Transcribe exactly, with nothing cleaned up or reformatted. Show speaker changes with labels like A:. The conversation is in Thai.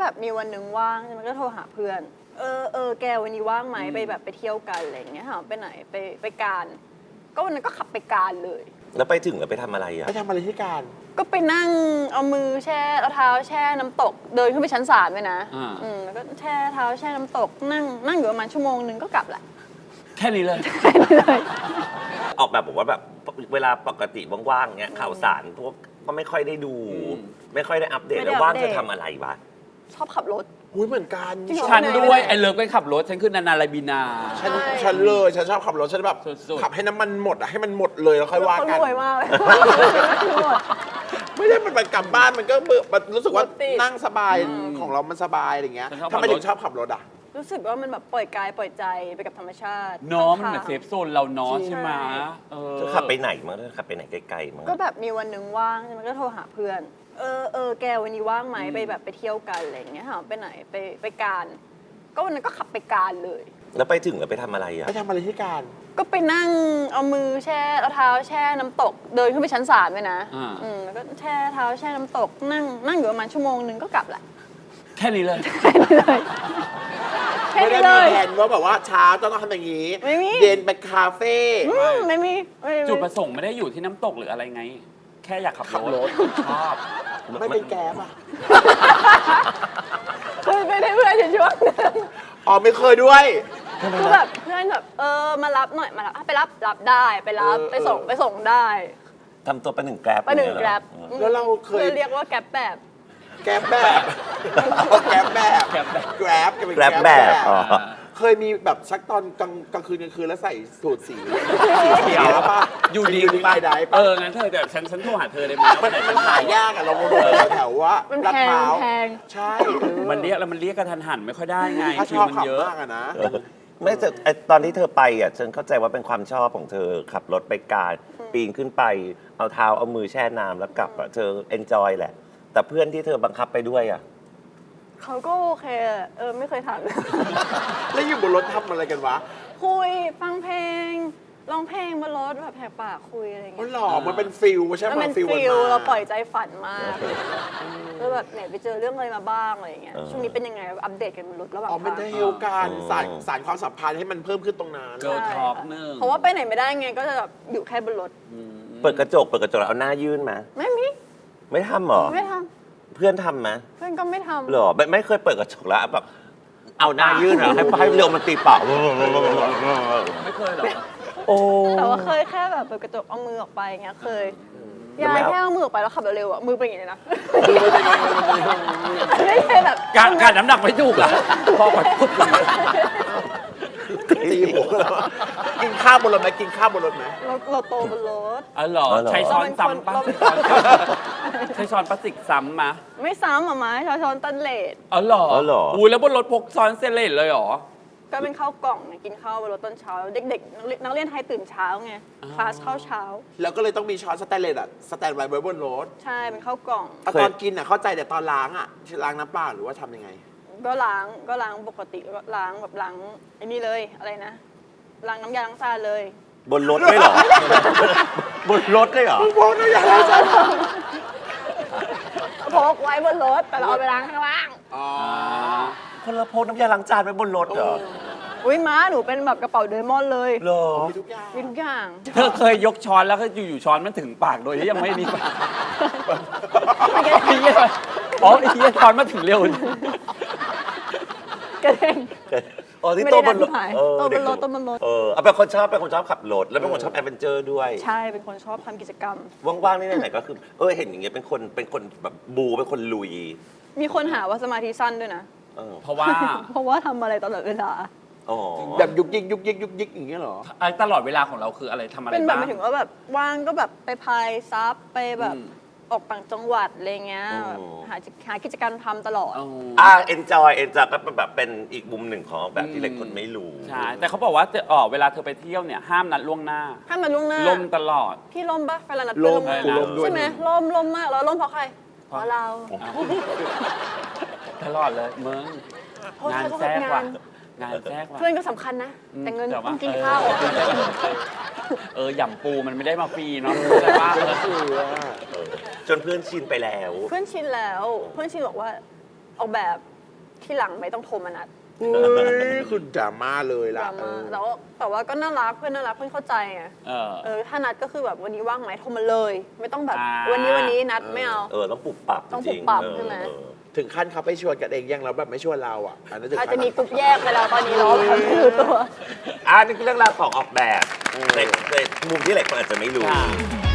A: แบบมีวันหนึ่งว่างใช่ไหมก็โทรหาเพื่อนเออเออแกวันนี้ว่างไหมไปแบบไปเที่ยวกันอะไรอย่างเงี้ยถามไปไหนไปไปการก็วันนั้นก็ขับไปการเลย
B: แล้วไปถึงแล้วไปทำอะไรอ่ะ
C: ไปทำอะไรที่การ
A: ก็ไปนั่งเอามือแช่เอาเท้าแช่น้ำตกเดินขึ้นไปชั้นสามเลยนะอืมแล้วก็แช่เท้าแช่น้ำตกนั่งนั่งอยู่ประมาณชั่วโมงนึงก็กลับแหละ
D: แค่นี้เลย
A: แค่นี้เลย
B: ออกแบบบอกว่าแบบเวลาปกติว่างๆเนี้ยข่าวสารพวกก็ไม่ค่อยได้ดู ไม่ค่อยได้อัปเดตแล้วว่างเธอทำอะไรวะ
A: ชอบขับรถ
C: อุ้ยเหมือนกัน
D: ฉันด้วยไอ้เลิฟก็ขับรถฉันคือนานาลาบีนา
C: ฉันฉันเลยฉันชอบขับรถฉันแบบขับให้น้ำมันหมดอะให้มันหมดเลยแล้วค่อยว่ากัน
A: รวยมากเลย
C: ไม่ได้มันไปกลับบ้านมันก็เบื่อมันรู้สึกว่านั่งสบายของเรามันสบายอะไรเงี้ยทำไมถึงชอบขับรถอ่ะ
A: รู้สึกว่ามันแบบปล่อยกายปล่อยใจไปกับธรรมชาติ
D: เนาะมันเหมือนเซฟโซนเราเนาะใช่ไหม
B: เธอขับไปไหนมั้งเธอขับไปไหนไกลๆมั้ง
A: ก็แบบมีวันหนึ่งว่างใช่ไหมก็โทรหาเพื่อนเออเออแกวันนี้ว่างไหมไปแบบไปเที่ยวกันอะไรอย่างเงี้ยถามไปไหนไปไปการก็วันนั้นก็ขับไปการเลย
B: แล้วไปถึงแล้วไปทำอะไรอ่ะ
C: ไปทำอะไรที่การ
A: ก็ไปนั่งเอามือแช่เอาเท้าแช่น้ำตกเดินขึ้นไปชั้นสามเลยนะอืมแล้วก็แช่เท้าแช่น้ำตกนั่งนั่งอยู่ประมาณชั่วโมงนึงก็กลับแหละ
D: แค่นี้เลย
A: แค่นี้เลย
C: ไม่ได้มีแผนว่าแบบว่าเช้าต้องทำอย่างนี้เย็นไปคาเฟ่
A: ไม่มี
D: จุดประสงค์ไม่ได้อยู่ที่น้ำตกหรืออะไรไงแค่อยากขับรถชอบ
C: ไม่เป็นแก๊บอ่ะ
A: เคยไปได้เพื่อนช่วงนึง
C: อ๋อไม่เคยด้วย
A: คือแบบเพื่อนแบบเออมารับหน่อยมารับไปรับรับได้ไปรับไปส่งไปส่งได้
B: ทำตัวเป็นหนึ่งแกร็บ
A: เป็นหนึ่งแกร็บ
C: แล้วเราเคย
A: เรียกว่าแกร็บแบบ
C: แกร็บแบบแกร็บแบบแกร็บแกร็บ
B: แกร็บแบบ
C: เคยมีแบบชักตอนกลางกลางคืนกลางคืนแล้วใส่สูทสีเขียวป่ะ
D: อยู่ดี
C: ไปได้ป่ะ
D: เอองั้นเธอแต่ฉันฉันโทรหาเธอได้ไหม
C: มันหายากอะเราโดนแถวว่า
A: ลาดพร้าว
C: ใช่
D: มันเรียกแล้วมันเรียกกระทันหันไม่ค่อยได้ไง
C: คิวมันเยอะมากอะนะ
B: ไม่แต่ตอนที่เธอไปอ่ะฉันเข้าใจว่าเป็นความชอบของเธอขับรถไปการปีนขึ้นไปเอาเท้าเอามือแช่น้ำแล้วกลับอ่ะเธอเอนจอยแหละแต่เพื่อนที่เธอบังคับไปด้วยอ่ะ
A: เขาก็โอเคเออไม่เคยถาม
C: แล้วอยู่บนรถทำอะไรกันวะ
A: คุยฟังเพลงร้องเพลงบนรถแบบแหกปากคุยอะไรอย่างเงี้
C: ยหล่อมันเป็นฟิลใช่ไหม
A: มันเป็นฟิลเราปล่อยใจฝันมากแล้วแบบไหนไปเจอเรื่องอะไรมาบ้างอะไรอย่างเงี้ยช่วงนี้เป็นยังไงอัปเดตกันบนรถระหว่าง
C: ทางอ๋อเป็นเฮลการสารสารความสัมพันธ์ให้มันเพิ่มขึ้นตรงนั้น
D: เกิร์ลท็อกนึง
A: เพราะว่าไปไหนไม่ได้ไงก็จะแบบอยู่แค่บนรถ
B: เปิดกระจกเปิดกระจกเอาหน้ายื่นมา
A: ไม่มี
B: ไม่ทำหรอ
A: ไม่ท
B: ำเพื่อนทำไหม
A: เพื่อนก็ไม่ทำ
B: หรอไม่ไม่เคยเปิดกระจกแล้วแบบเอาหน้ายื่นเหรอให้ให้เร็วมันตีเป่า
D: ไม่เคยหรอ
B: โอ้
A: แต่ว่าเคยแค่แบบเปิดกระจกเอามือออกไปอย่างเงี้ยเคยยายแค่เอามือออกไปแล้วขับเร็วๆอ่ะมือเป็นอย่างนี้นะไม่ใช่แบบ
D: การการน้ำหนักไม่ถูกอ่ะพอแบบปุ๊บ
C: ตีหัวแล้วกินข้าวบนรถไหมกินข้าวบนรถไหม
A: เราเราโตบนรถ
D: อ๋อเหรอใช้ช้อนซ้ำป่ะใช้ช้อนพลาสติกซ้ำมา
A: ไม่ซ้ำอ่ะมั้ยใช้ช้อนตันเลด
D: อ๋อเหรออุ้ยแล้วบนรถพกช้อนเซเลตเลยเหรอ
A: ก็เป็นข้าวกล่องไงกินข้าวบนรถตอนเช้าเด็กๆนักเรียนไทยตื่นเช้าไงคลาสข้าวเช้า
C: แล้วก็เลยต้องมีช้อนสแตนเลสอ่ะสแตนไว้บนรถ
A: ใช่เป็นข้าวกล่อง
C: ตอนกินอ่ะเข้าใจแต่ตอนล้างอ่ะล้างน้ำเปล่าหรือว่าทำยังไง
A: ก็ล้างก็ล้างปกติก็ล้างแบบล้างไอ้นี่เลยอะไรนะล้างน้ำยาล้างจานเลย
B: บนรถไม่หรอบนรถได้เหรอบ
C: นน้ำยาล้างจาน
A: พกไว้บนรถแต่เราเอาไปล้างข้างล่าง
C: อ๋อ
B: คนละพกน้ำยาล้างจานไว้บนรถเหรอ
A: อุ้ยม้าหนูเป็นแบบกระเป๋าเดมอนเลย
B: เหรอ
C: มีทุกอย่าง
A: มีทุกอย่าง
D: เธอเคยยกช้อนแล้วก็อยู่ๆช้อนมันถึงปากโดยที่ยังไม่มีปากไอ้เหี้ยอ๋อไอ้เหี้ยช้อนมาถึงเร็ว
A: กระเด้ง
B: อ๋อที่โตบนรถ
A: โตบนรถโตบนรถ
B: เออเป็นคนชอบเป็นคนชอบขับรถแล้วเป็นคนชอบแอดเวนเจอร์ด้วย
A: ใช่เป็นคนชอบทำกิจกรรม
B: ว่างๆนี่ไหนๆก็คือเออเห็นอย่างเงี้ยเป็นคนเป็นคนแบบบูเป็นคนลุย
A: มีคนหาว่าสมาธิสั้นด้วยนะ
D: เพราะว่า
A: เพราะว่าทำอะไรตลอดเวลา
C: แบบยุกยิกยุกยิกยุกยิกอย่างเงี้ยหรอ
D: ไอ้ตลอดเวลาของเราคืออะไรทำอะไรบ้าง
A: เป็นแบบหมายถึงว่าแบบว่างก็แบบไปพายซับไปแบบออกต่างจังหวัดอะไรเงี้ยหาหากิจกรรมทำตลอด
B: อ่าเอนจอยเอนจอยก็แบบเป็นอีกมุมหนึ่งของแบบที่หลายคนไม่รู้
D: ใช่แต่เขาบอกว่าอ๋อเวลาเธอไปเที่ยวเนี่ยห้ามนัดล่วงหน้า
A: ห้ามนัดล่วงหน้า
D: ล่มตลอด
A: พี่ล่มปะเวลานัดเพื่อนล่มใช่ไหมล่มล่มมากแล้วล่มเพราะใครเพราะเรา
D: ตลอดเลยมึงงานแทรกว่ะงานแทรกว่ะ
A: เพื่อนก็สำคัญนะแต่เงินต้องกินข้าว
D: เออหย่ำปูมันไม่ได้มาฟรีเนาะแต่ว่า
B: จนเพื่อนชินไปแล้ว
A: เพื่อนชินแล้วเพื่อนชินบอกว่าออกแบบที่หลังไม่ต้องโทรมานัด
C: อุ้ยคุณดราม่าเลย
A: ด
C: ล่ะ
A: รา
C: เอ
A: ม่า
C: อ
A: แต่ว่าแต่ว่าก็น่ารักเพื่อนน่ารักเพื่อนเข้าใจไง
D: เออ
A: เออถ้านัดก็คือแบบวันนี้ว่างไหมโทรมาเลย ไม่ต้องแบบ
D: อ่า
A: วันนี้วันนี้นัดไม่เอา
B: เออต้องปรับปรับ
A: ต้อง
B: จริง
A: ปรับ
B: เออ
A: ใช่ไหม
B: เออ
C: ถึงขั้นเขาไปชวนกันเองยังแล้วแบบไม่ชวนเราอ่ะอันนั้นถึง
A: อาจ
C: ขั้
A: จะ
C: น
A: มีกลุ่มแยกไปแล้วตอนนี้เราแบบไม่รู้ตัว
B: อ่านี่คือเรื่องราวของออกแบบในในมุมที่หลายคนอาจจะไม่รู้
D: ค่ะ